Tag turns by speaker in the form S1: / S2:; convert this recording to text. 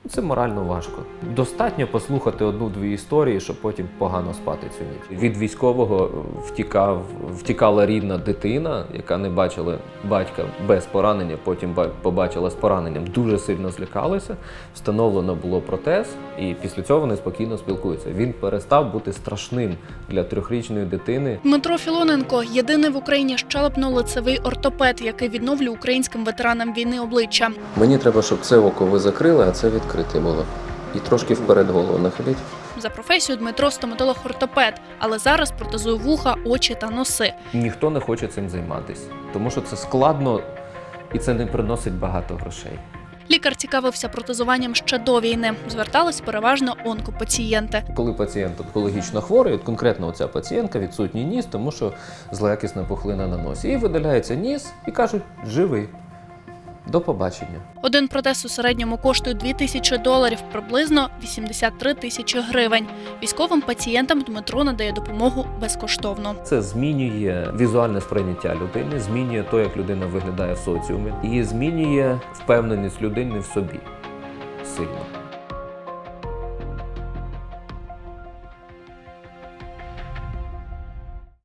S1: Це морально важко. Достатньо послухати одну-дві історії, щоб потім погано спати цю ніч. Від військового втікала рідна дитина, яка не бачила батька без поранення, потім побачила з пораненням, дуже сильно злякалася, встановлено було протез, і після цього вони спокійно спілкуються. Він перестав бути страшним для 3-річної дитини.
S2: Дмитро Філоненко – єдиний в Україні щелепно-лицевий ортопед, який відновлює українським ветеранам війни обличчя.
S1: Мені треба, щоб це око ви закрили, а це відкрите було. І трошки вперед голову нахиліть.
S2: За професією Дмитро – стоматолог-ортопед, але зараз протезує вуха, очі та носи.
S1: Ніхто не хоче цим займатися, тому що це складно і це не приносить багато грошей.
S2: Лікар цікавився протезуванням ще до війни. Звертались переважно онкопацієнти.
S1: Коли пацієнт онкологічно хворий, конкретно оця пацієнтка, відсутній ніс, тому що злоякісна пухлина на носі. І видаляється ніс і кажуть, живий. До побачення.
S2: Один протез у середньому коштує $2000, приблизно 83 тисячі гривень. Військовим пацієнтам Дмитро надає допомогу безкоштовно.
S1: Це змінює візуальне сприйняття людини, змінює те, як людина виглядає в соціумі, і змінює впевненість людини в собі сильно.